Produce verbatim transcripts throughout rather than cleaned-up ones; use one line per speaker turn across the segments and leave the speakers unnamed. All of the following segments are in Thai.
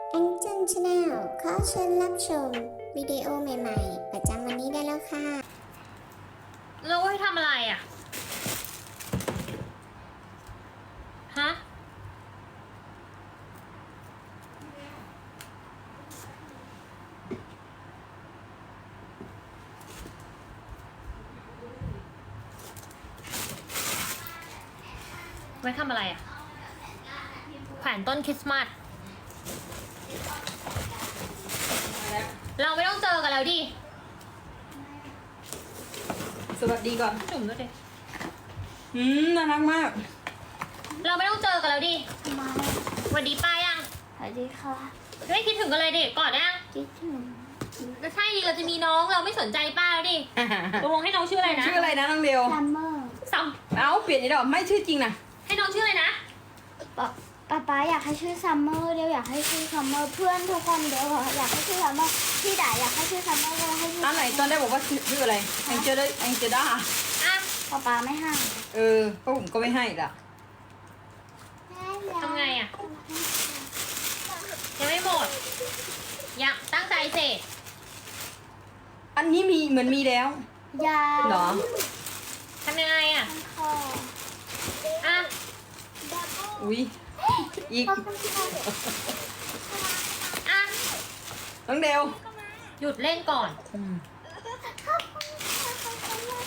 แองเจิลชาแนลขอเชิญรับชมวิดีโอใหม่ๆประจำวันนี้ได้แล้วค่ะ
เราให้ทำอะไรอ่ะ ฮะ ไว้ทำอะไรอ่ะแขวนต้นคริสต์มาส เราไม่ต้องเจอกันแล้วดิ
สวัสดีก่อน
จุ่มด้วยดิ
อืมน่ารักมาก
เราไม่ต้องเจอกันแล้วดิ
มา
สวัสดีป้ายัง
สวัสดีค่ะ
ไม่คิดถึงกันเลยดิก่อนนะ
คิดถึง
ก็ใช่ดิเราจะมีน้องเราไม่สนใจป้าแล้วดิตกลงให้น้องชื่ออะไรนะ
ชื่ออะไรนะน้องเดียว
ซัมเมอร์
ซัม
เอ้าเปลี่ยนอีกแล้วไม่ชื่อจริงนะ
ให้น้องชื่ออะไรนะ
ป๊าป๊าป๊าอยากให้ชื่อซัมเมอร์เดี๋ยวอยากให้ชื่อซัมเมอร์เพื่อนทุกคนเดี๋ยวอยากให้ชื่อซัมเมอร์พี่ด่าอยากให้ชื่อซัมเมอร์ก็ให้ชื่อ
อันไหนตอนได้บอกว่าชื่ออะไรแองเจลแองเจด้า
อ่ะ
ป๊าป๊าไม่ให้
เออเพราะผมก็ไม่ให้ละ
ทำไงอ่ะ ยังไม่หมดอยากตั้งใจเสร็จ
อันนี้มีเหมือนมีแล้ว
ยา
เหรอ
ทำยังไงอ่ะ
คอ
อ่ะ
อุ้ยอีก
ขอบคุณค่ะ
อ่ะ
น้องเดว
หยุดเล่นก่อน
อืม
ขอบคุณค่ะขอบคุณมาก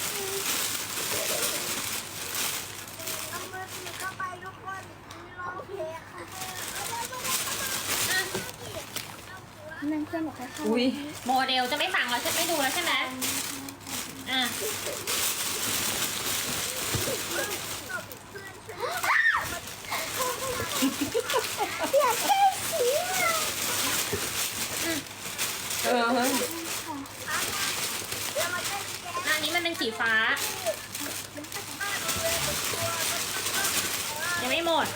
เอามือถือเข้าไปทุกคนร้องเพลงค่ะ
อ่ะ
นั่นเพื่อนบอกให้เข้า
อุ้ย
โมเดลจะไม่ฟังแล้วใช่ไม่ดูแล้วใช่ไหมอ่ะ
อยากได้สีอ่ะ
เออเฮ้ย
อันนี้มันเป็นสีฟ้า ยังไม่หมด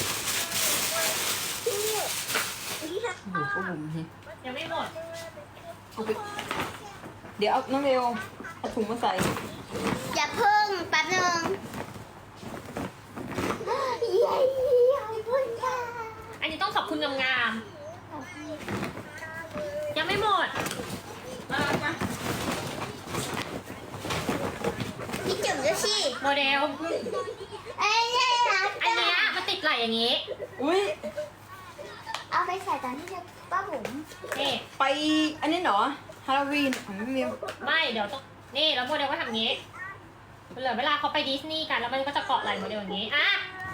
โอ้โหก็บุ๋มเฮ้ย
ยังไม่หมด
เอาไปเดี๋ยวเอาน้องเดวเอาถุงมาใส่
อย่าเพิ่งแป๊บนึงเย้ขอบคุณค่ะ
อันนี้ต้องขอบคุณงามๆยังไม่หมด
น่ารักไหม
พี่จุ๋มด้วยสิ
โมเดล
เอ้ยน่ารัก
อันเนี้ยมันติดไหลอย่างนี้
อุ้ย
เอาไปใส่ตอนที่จะป้าบุ๋ม
นี่
ไปอันนี้เหรอฮาโลวีนของน้องเดว
ไม่เดี๋ยวต้องนี่แล้วโมเดลก็ทำอย่างนี้เหลือเวลาเขาไปดิสนีย์กันแล้วมันก็จะเกาะไหลโมเดลอย่างนี้อ่ะ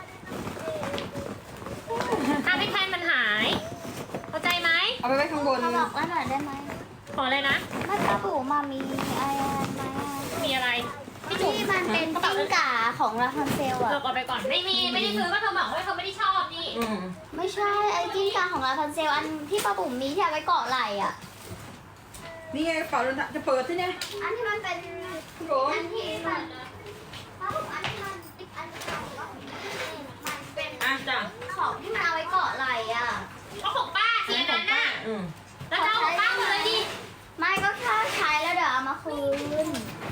ถ้าไม่แทนมันหาย เข้าใจไหม
เอาไปไว้ข้างบน
เขาบอกว่าหน่อยได้ไหม
ขอเลยนะ
ถ้าป้าบุ๋มมามีอะไรไหม
มีอะไรพี่จุ๋ม
ที่มันเป็นกิ้งก่าของราพันเซลอะ
เราเอาไปก่อนไม่มีไม่ได้ซื้อก็เธอบอกว่าเธอไม่ได้ชอบนี่
อืม
ไม่ใช่ไอ้กิ้งก่าของราพันเซลอันที่ป้าบุ๋มมีที่เอาไว้เกาะไหล่อะ
นี่ไงกระเป๋าเดินทางจะเปิดที่เนี่ย
อันที่มันเป็น
พี่โบ
อันที่มันป้าบุ๋มอันที่มันอันที่ของป้าบุ๋มมันเป็น
อ่ะจ้ะ
ของที่มันเอาไว้เกาะไหล่อะ
ก็ของป้าเสียนั้นน่ะ
อืม
แล้วจะเอาของป้าหมดเลยดิ
ไม่ก็แค่ใช้แล้วเดี๋ยวเอามาคืน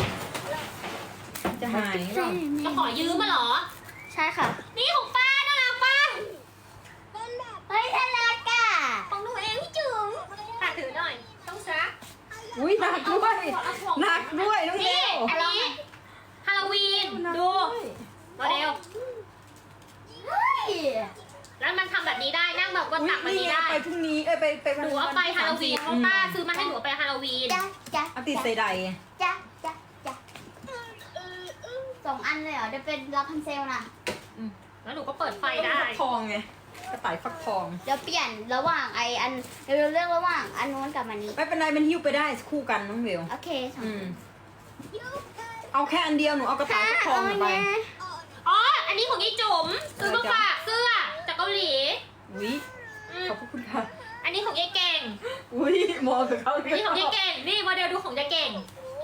จะหายหรอ
จะขอยืมมาเหรอ
ใช่ค่ะ
นี่ของป้าน่ารักป้า
เฮ้ยน่ารักอ่ะ
ของหนูเองพี่จุ๋มฝากถือหน่อย ต้องซัก
อุ้ยหนักด้วยหนักด้วยน้องเด
นี่
ว
อันนี้ฮาโลวีน ดู โมเดล
เฮ้ย
แล้วมันทำแบบนี้ได้ นั่งแบบบน
อุ๊ย
ตักแบบ
นี่
นี้
ไง
ได้
ไปพรุ่งนี้เอ้ยไปไป
หนูเอาไปฮาโลวีนเพราะป้าซื้อมาให้หนูเอาไปฮาโลวีน
จ้ะจ้ะ
เอาติดใส่ใด
จ้ะจ้ะจ้ะสองอันเลยเหรอเดี๋ยวเป็นราพันเซลนะ
แล้วหนูก็เปิดไฟได้
ฟักทองไงกระต่ายฟักทอง
เดี๋ยวเปลี่ยนระหว่างไออันเดี๋ยวเราเลือกระหว่างอันนู้นกับอันนี้
ไม่เป็นไรมันหิ้วไปได้คู่กันน้องเบล
โอเคสอง
อืมเอาแค่อันเดียวหนูเอากระต่ายฟักทองหนูไป
อ๋อ อันนี้ของยี่จุ๋มซื้อมาฝากเสื้อจากเกาหลี
อุ้ย
อืม
ขอบคุณค่ะ
อันนี้ของยายเก่ง
อุ้ยมองกับเขาเล
อันนี้ของยายเก่ง นี่โมเดลดูของยายเก่ง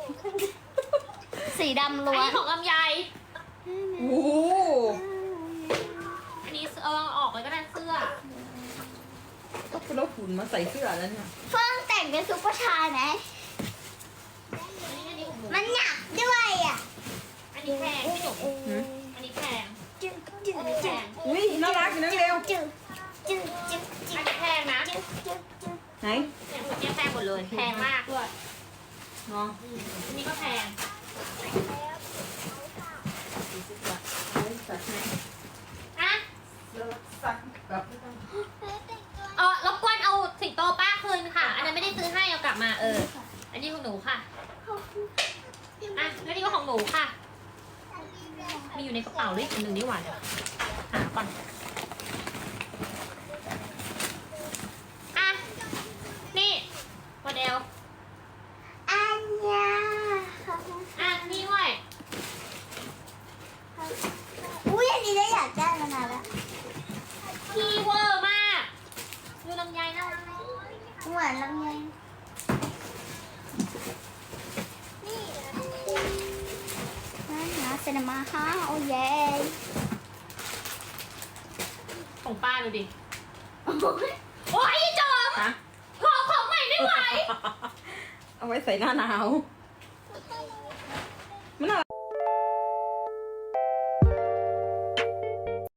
สีดำ
อัน
ล้วน
นี้ของลำไย
โอ้โห
อันนี้เออออกเลยก็ได้เสื้อ
ก็เป็นแล้วหุ่นมาใส่เสื้อแล้วเนี่ย
เฟิ่งแต่งเป็นซุปเปอร์ชายไหม
อันนี้อันนี้ของหนู
มันหนักด้วยอ่ะ
อันนี้แพงพี่จุ๋มอันนี้แพง
จึ๊งจึ๊ง
อันนี้แพ
จึ๊ง
ง
อุ้ยน่ารักอยู่น้องเบล
จึ๊งจึ๊งจึ๊งจึ๊
อัน
ง
นี้แพงนะ
จึ๊ง
ไหน
เนี่ยหมดเนี่ยแพงหมดเลยแพงมากด้วย
เนาะ
อืมอันนี้ก็แพง
จัดให้
อ่ะ
แล้วสั่งกับ
เออรบกวนเอาสิงโตป้าคืนค่ะ อันนั้นไม่ได้ซื้อให้เอากลับมาเออ อันนี้ของหนูค่ะอ่ะแล้วนี่ก็ของหนูค่ะ มีอยู่ในกระเป๋าด้วยอีกอันหนึ่งนี่หว่าเดี๋ยวหาก่อนอ่ะนี่โมเดล
อันยาขอบคุณ
อ่ะนี่ด้วย
อุ้ยอันนี้ได้อยากได้มานานแล้ว
คีเวอร์มากดูลำไยน่ารักไหม
เหมือนลำไยนั่นนะเซนมาฮะโอ้เย่
ของป้าดูดิ
โอ้ย
โอ้ยอีจอม
ฮะ
ขอของใหม่ไม่ไหว
เอาไว้ใส่หน้าหนาวมันน่ารัก